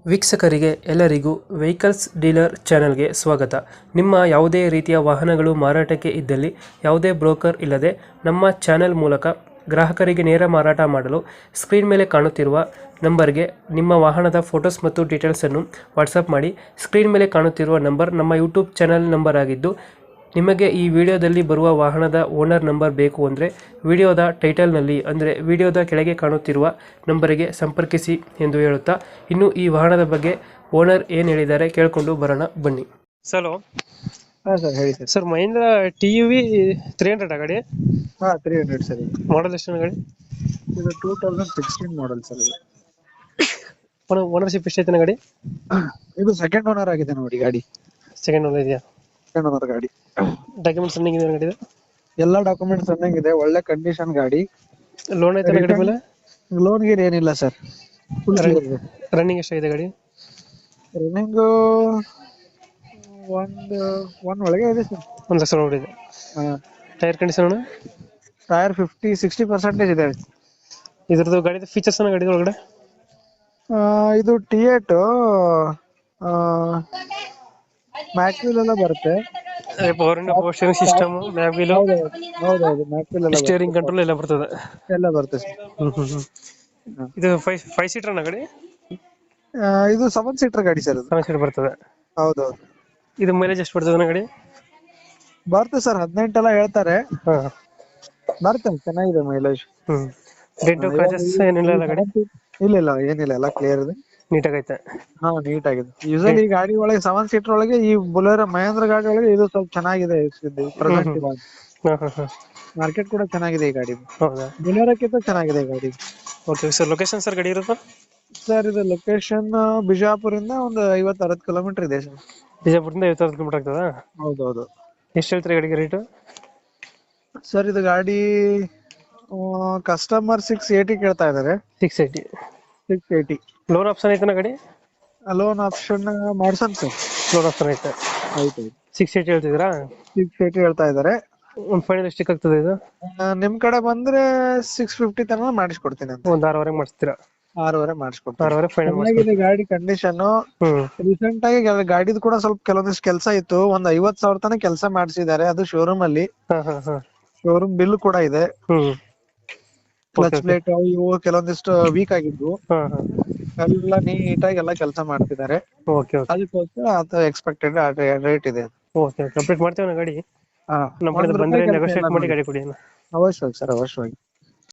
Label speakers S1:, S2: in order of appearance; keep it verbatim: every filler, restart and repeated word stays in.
S1: ವೀಕ್ಷಕರಿಗೆ ಎಲ್ಲರಿಗೂ vehicles dealer ಚಾನೆಲ್ಗೆ ಸ್ವಾಗತ. ನಿಮ್ಮ ಯಾವುದೇ ರೀತಿಯ ವಾಹನಗಳು ಮಾರಾಟಕ್ಕೆ ಇದ್ದಲ್ಲಿ ಯಾವುದೇ ಬ್ರೋಕರ್ ಇಲ್ಲದೆ ನಮ್ಮ ಚಾನೆಲ್ ಮೂಲಕ ಗ್ರಾಹಕರಿಗೆ ನೇರ ಮಾರಾಟ ಮಾಡಲು ಸ್ಕ್ರೀನ್ ಮೇಲೆ ಕಾಣುತ್ತಿರುವ ನಂಬರ್ಗೆ ನಿಮ್ಮ ವಾಹನದ ಫೋಟೋಸ್ ಮತ್ತು ಡೀಟೇಲ್ಸನ್ನು ವಾಟ್ಸಪ್ ಮಾಡಿ. ಸ್ಕ್ರೀನ್ ಮೇಲೆ ಕಾಣುತ್ತಿರುವ ನಂಬರ್ ನಮ್ಮ ಯೂಟ್ಯೂಬ್ ಚಾನೆಲ್ ನಂಬರ್ ಆಗಿದ್ದು, ನಿಮಗೆ ಈ ವಿಡಿಯೋದಲ್ಲಿ ಬರುವ ವಾಹನದ ಓನರ್ ನಂಬರ್ ಬೇಕು ಅಂದರೆ ವಿಡಿಯೋದ ಟೈಟಲ್ನಲ್ಲಿ ಅಂದರೆ ವಿಡಿಯೋದ ಕೆಳಗೆ ಕಾಣುತ್ತಿರುವ ನಂಬರಿಗೆ ಸಂಪರ್ಕಿಸಿ ಎಂದು ಹೇಳುತ್ತಾ, ಇನ್ನು ಈ ವಾಹನದ ಬಗ್ಗೆ ಓನರ್ ಏನು ಹೇಳಿದ್ದಾರೆ ಕೇಳಿಕೊಂಡು ಬರೋಣ ಬನ್ನಿ. ಸರ್
S2: ಹಾ ಸರ್ ಹೇಳಿ sir.
S1: Sir Mahindra T U V three hundred ಗಾಡಿ
S2: ಹಾ ತ್ರೀ ಹಂಡ್ರೆಡ್ ಸರ್.
S1: ಮಾಡಲ್ ಎಷ್ಟು ಗಾಡಿ?
S2: ಇದು two thousand sixteen model sir. ಇದು
S1: ಓನರ್ಶಿಪ್ ಎಷ್ಟೈತೆ ಗಾಡಿ?
S2: ಇದು ಸೆಕೆಂಡ್ ಓನರ್ ಆಗಿದೆ ನೋಡಿ ಗಾಡಿ.
S1: ಸೆಕೆಂಡ್ ಓನರ್ ಇದೆಯಾ?
S2: ಸೆಕೆಂಡ್ ಓನರ್ ಗಾಡಿ.
S1: ಡಾಕ್ಯುಮೆಂಟ್ಸ್ ರನ್ನಿಂಗ್ ಇದೆ ಗಾಡಿ?
S2: ಎಲ್ಲಾ ಡಾಕ್ಯುಮೆಂಟ್ಸ್ ರನ್ನಿಂಗ್ ಇದೆ, ಒಳ್ಳೆ ಕಂಡೀಷನ್ ಗಾಡಿ.
S1: ಲೋನ್ ಐತೆ ಗಾಡಿ ಮೇಲೆ?
S2: ಲೋನ್ ಗೀನ್ ಏನಿಲ್ಲ ಸರ್.
S1: ರನ್ನಿಂಗ್ ಎಷ್ಟಾಗಿದೆ ಗಾಡಿ?
S2: ರನ್ನಿಂಗ್ ಒಂದ್ ಒನ್ ಒಳಗೆ ಇದೆ ಸರ್.
S1: ಒಂದು ಲಕ್ಷ ನೋಡಿದೆ.
S2: ಹಾ.
S1: Tyre condition?
S2: Tyre fifty sixty percentage ಇದೆ.
S1: ಇದ್ರದ್ದು ಗಾಡಿದ ಫೀಚರ್ಸ್ ಗಾಡಿ ಒಳಗಡೆ?
S2: ಇದು ಟಿ ಏಟ್ ಮ್ಯಾಕ್ವಿಲ್ ಎಲ್ಲ ಬರುತ್ತೆ.
S1: ಪವರ್ ಇಂಡ ಪವರ್ ಸ್ಟೀರಿಂಗ್ ಸಿಸ್ಟಮ್, ಮ್ಯಾಗ್ವಿಲ್,
S2: ಹೌದೌದು ಮ್ಯಾಕ್ವಿಲ್ ಎಲ್ಲ
S1: ಸ್ಟೀರಿಂಗ್ ಕಂಟ್ರೋಲ್ ಎಲ್ಲ ಬರ್ತದೆ.
S2: ಎಲ್ಲ ಬರುತ್ತೆ ಸರ್.
S1: ಹ್ಮ್ ಹ್ಮ್ ಹ್ಮ್. ಇದು ಫೈವ್ ಫೈವ್ ಸೀಟರ್ ನ ಗಾಡಿ?
S2: ಇದು ಸೆವೆನ್ ಸೀಟರ್ ಗಾಡಿ ಸರ್.
S1: ಸೆವೆನ್ ಸೀಟರ್ ಬರ್ತದೆ.
S2: ಹೌದೌದು.
S1: ಇದು ಮೈಲೇಜ್ ಎಷ್ಟು ಬರ್ತದೆ ಗಾಡಿ?
S2: ಬರುತ್ತೆ ಸರ್, ಹದಿನೆಂಟೆಲ್ಲ ಹೇಳ್ತಾರೆ.
S1: ಹಾ,
S2: ಬರುತ್ತೆ, ಚೆನ್ನಾಗಿದೆ ಮೈಲೇಜ್.
S1: ಹ್ಮ್. ಡೆಂಟು ಕ್ರಾಚಸ್ ಏನಿಲ್ಲ ಅಲ್ಲ ಗಾಡಿ?
S2: ಇಲ್ಲ ಇಲ್ಲ ಏನಿಲ್ಲ, ಎಲ್ಲ ಕ್ಲಿಯರ್ ಇದೆ,
S1: ನೀಟಾಗೈತೆ.
S2: ಹಾ ನೀಟ್ ಆಗಿದೆ. ಯೂಶಲಿ ಈ ಗಾಡಿ ಒಳಗೆ ಸೆವೆನ್ ಸೀಟರ್ ಒಳಗೆ ಈ ಬುಲೆರೋ ಮಹೇಂದ್ರ ಗಾಡಿ ಒಳಗೆ ಇದು ಸ್ವಲ್ಪ ಚೆನ್ನಾಗಿದೆ. ಪ್ರೆಸೆಂಟ್ ಮಾರ್ಕೆಟ್ ಕೂಡ ಚೆನ್ನಾಗಿದೆ ಈ ಗಾಡಿ.
S1: ಹೌದಾ?
S2: ಬುಲೆರೋಕ್ಕಿಂತ ಚೆನ್ನಾಗಿದೆ ಈ ಗಾಡಿ.
S1: Okay sir. ಲೊಕೇಶನ್ ಸರ್ ಗಾಡಿ ಇರೋದು?
S2: ಸರ್ ಇದು ಲೊಕೇಶನ್ ಬಿಜಾಪುರಿಂದ ಒಂದು ಐವತ್ತು ಅರವತ್ತು ಕಿಲೋಮೀಟರ್ ಇದೆ ಸರ್.
S1: ಬಿಜಾಪುರದಿಂದ ಐವತ್ತು ಅರವತ್ತು ಕಿಲೋಮೀಟರ್ ಆಗ್ತದಾ?
S2: ಹೌದೌದು.
S1: ಎಷ್ಟು ಹೇಳ್ತೀರಿ ಗಾಡಿಗೆ ರೇಟು?
S2: ಸರ್ ಇದು ಗಾಡಿ ಕಸ್ಟಮರ್ ಸಿಕ್ಸ್ ಏಟಿ ಕೇಳ್ತಾ ಇದಾರೆ.
S1: Six eighty?
S2: Six eighty.
S1: Loan option ಐತೆ ಗಾಡಿ?
S2: ಲೋನ್ ಆಪ್ಷನ್ ಮಾಡ್ಸನ್ ಸರ್.
S1: ಲೋನ್ ಆಪ್ಷನ್ ಐತೆ.
S2: ಆಯ್ತು.
S1: ಸಿಕ್ಸ್ ಏಯ್ಟಿ ಹೇಳ್ತಿದ್ದೀರಾ?
S2: ಸಿಕ್ಸ್ ಏಯ್ಟಿ ಹೇಳ್ತಾ ಇದಾರೆ.
S1: ಒಂದು ಫೈನಲ್ ಎಷ್ಟಕ್ಕೆ ಆಗ್ತದೆ ಇದು?
S2: ನಿಮ್ ಕಡೆ ಬಂದ್ರೆ ಸಿಕ್ಸ್ ಫಿಫ್ಟಿ ತನಕ ಮಾಡಿಸ್ಕೊಡ್ತೀನಿ ಅಂತ.
S1: ಒಂದು ಆರೂವರೆಗೆ ಮಾಡಿಸ್ತೀರಾ?
S2: ಆರೂವರೆ ಮಾಡಿಸ್ಕೊಡ್ತೀನಿ.
S1: ಆರೂವರೆ ಫೈನಲ್
S2: ಚೆನ್ನಾಗಿದೆ ಗಾಡಿ ಕಂಡೀಷನ್. ರೀಸೆಂಟ್ ಆಗಿ ಗಾಡಿದು ಕೂಡ ಸ್ವಲ್ಪ ಕೆಲವೊಂದಿಷ್ಟು ಕೆಲಸ ಇತ್ತು. ಒಂದ್ ಐವತ್ ಸಾವಿರ ತನಕ ಕೆಲಸ ಮಾಡಿಸಿದ್ದಾರೆ, ಅದು ಶೋರೂಮ್ ಅಲ್ಲಿ. ಶೋರೂಮ್ ಬಿಲ್ ಕೂಡ ಇದೆ. ಕ್ಲಚ್ ಪ್ಲೇಟ್ ಇವು ಕೆಲವೊಂದಿಷ್ಟು ವೀಕ್ ಆಗಿದ್ವು, ಎಲ್ಲ ನೀಟಾಗಿ ಎಲ್ಲ ಕೆಲಸ ಮಾಡ್ತಿದ್ದಾರೆ. ಅದಕ್ಕೋಸ್ಕರ ಅದು ಎಕ್ಸ್ಪೆಕ್ಟೆಡ್ ರೇಟ್ ಇದೆ.
S1: ಓಕೆ, ಕಂಪ್ಲೀಟ್ ಮಾಡ್ತೇವೆ ಗಾಡಿ.
S2: ಹಾ,
S1: ನಮ್ಮ ಕಡೆ ಬಂದ್ರೆ ನೆಗೋಶಿಯೇಟ್ ಮಾಡಿ ಗಾಡಿ ಕೊಡಿ.
S2: ಅವಶ್ಯವಾಗಿ ಸರ್, ಅವಶ್ಯವಾಗಿ.